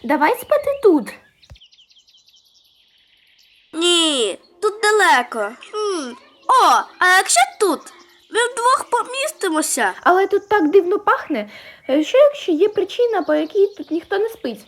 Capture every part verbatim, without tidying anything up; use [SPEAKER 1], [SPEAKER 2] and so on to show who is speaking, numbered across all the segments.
[SPEAKER 1] Давай спати тут.
[SPEAKER 2] Ні, тут далеко. Хм. О, а якщо тут? Ми вдвох помістимося.
[SPEAKER 1] Але тут так дивно пахне. Е, Що якщо є причина, по якій тут ніхто не спить?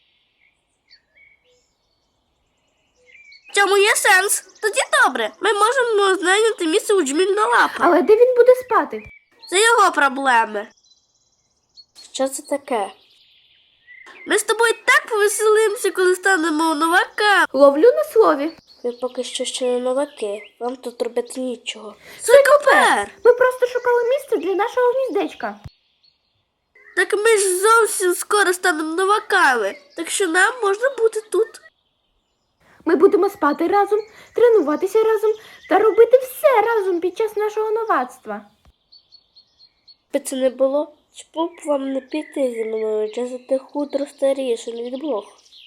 [SPEAKER 2] В цьому є сенс. Тоді добре. Ми можемо знайняти місце у Джмільна лапа.
[SPEAKER 1] Але де він буде спати?
[SPEAKER 2] Це його проблеми. Що це таке? Ми з тобою так повеселимося, коли станемо новаками.
[SPEAKER 1] Ловлю на слові.
[SPEAKER 2] Ви поки що ще не новаки. Вам тут робити нічого. Сойкопер!
[SPEAKER 1] Ми просто шукали місце для нашого гніздечка.
[SPEAKER 2] Так ми ж зовсім скоро станемо новаками. Так що нам можна бути тут.
[SPEAKER 1] Ми будемо спати разом, тренуватися разом та робити все разом під час нашого новацтва.
[SPEAKER 2] Би це не було, чому б вам не піти зі мною, чи ти хутро старішим від блох?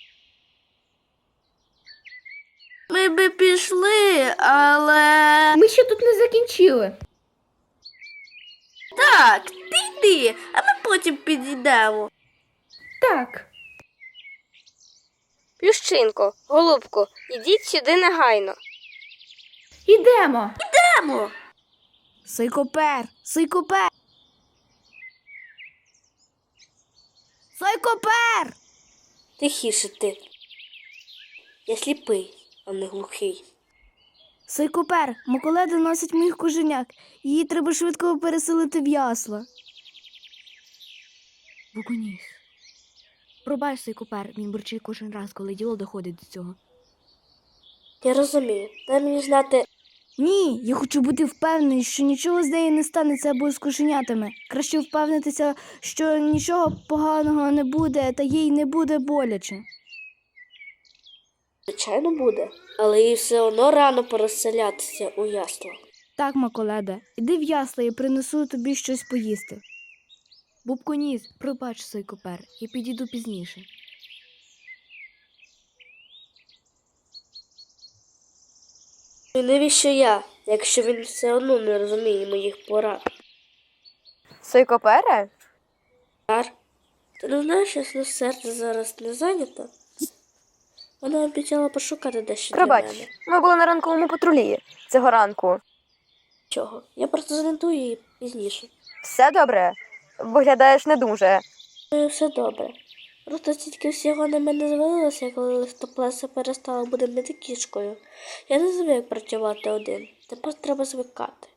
[SPEAKER 2] Ми би пішли, але...
[SPEAKER 1] Ми ще тут не закінчили.
[SPEAKER 2] Так, ти йди, а ми потім підійдемо.
[SPEAKER 1] Так.
[SPEAKER 3] Плющинко, голубко, ідіть сюди негайно.
[SPEAKER 1] Ідемо.
[SPEAKER 2] Йдемо.
[SPEAKER 4] Сойкопер! Сойкопер! Сойкопер!
[SPEAKER 2] Тихіше ти. Я сліпий, а не глухий.
[SPEAKER 4] Сойкопер, Миколеда носить моїх коженяк. Її треба швидко переселити в ясла. Букуніс. Пробач, Сойкопер, він бурчить кожен раз, коли діло доходить до цього.
[SPEAKER 2] Я розумію. Дай мені знати...
[SPEAKER 4] Ні, я хочу бути впевнений, що нічого з нею не станеться або з кошенятами. Краще впевнитися, що нічого поганого не буде, та їй не буде боляче.
[SPEAKER 2] Звичайно буде, але їй все одно рано переселятися у ясла.
[SPEAKER 4] Так, Маколеда, іди в ясла і принесу тобі щось поїсти. Бубконіс, пробач, Сойкопер, я підійду пізніше.
[SPEAKER 2] І навіщо я, якщо він все одно не розуміє моїх порад?
[SPEAKER 3] Сойкопере?
[SPEAKER 2] Ар, ти не знаєш, що на серце зараз не зайнято? Вона обіцяла пошукати дещо для
[SPEAKER 3] Пробач,
[SPEAKER 2] мене.
[SPEAKER 3] ми були на ранковому патрулі цього ранку.
[SPEAKER 2] Чого? Я просто занедую її пізніше.
[SPEAKER 3] Все добре? Виглядаєш не дуже.
[SPEAKER 2] Ну, все добре. Просто тільки всього на мене звалилося, коли листоплеса перестала бути мити кішкою. Я не звик працювати один. Тепер треба звикати.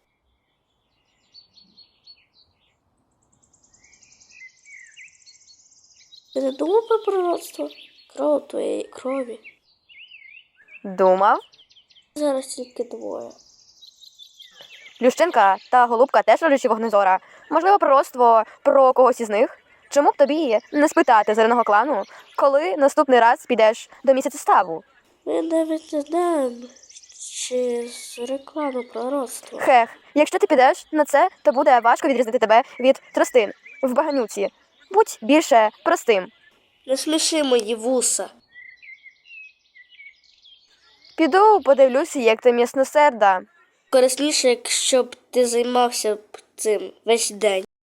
[SPEAKER 2] Ти не думав про пророцтво? Кров твоєї крові.
[SPEAKER 3] Думав?
[SPEAKER 2] Зараз тільки двоє.
[SPEAKER 3] Плющинка та голубка теж родичі вогнезора. Можливо, пророцтво про когось із них? Чому б тобі не спитати зоряного клану, коли наступний раз підеш до місяця ставу?
[SPEAKER 2] Ми навіть не знаємо, чи з реклами пророцтва.
[SPEAKER 3] Хех, якщо ти підеш на це, то буде важко відрізнити тебе від тростин в баганюці. Будь більше простим.
[SPEAKER 2] Не сміши мої вуса.
[SPEAKER 3] Піду подивлюся, як ти м'ясносерда.
[SPEAKER 2] Корисніше, якщо б ти займався б цим весь день.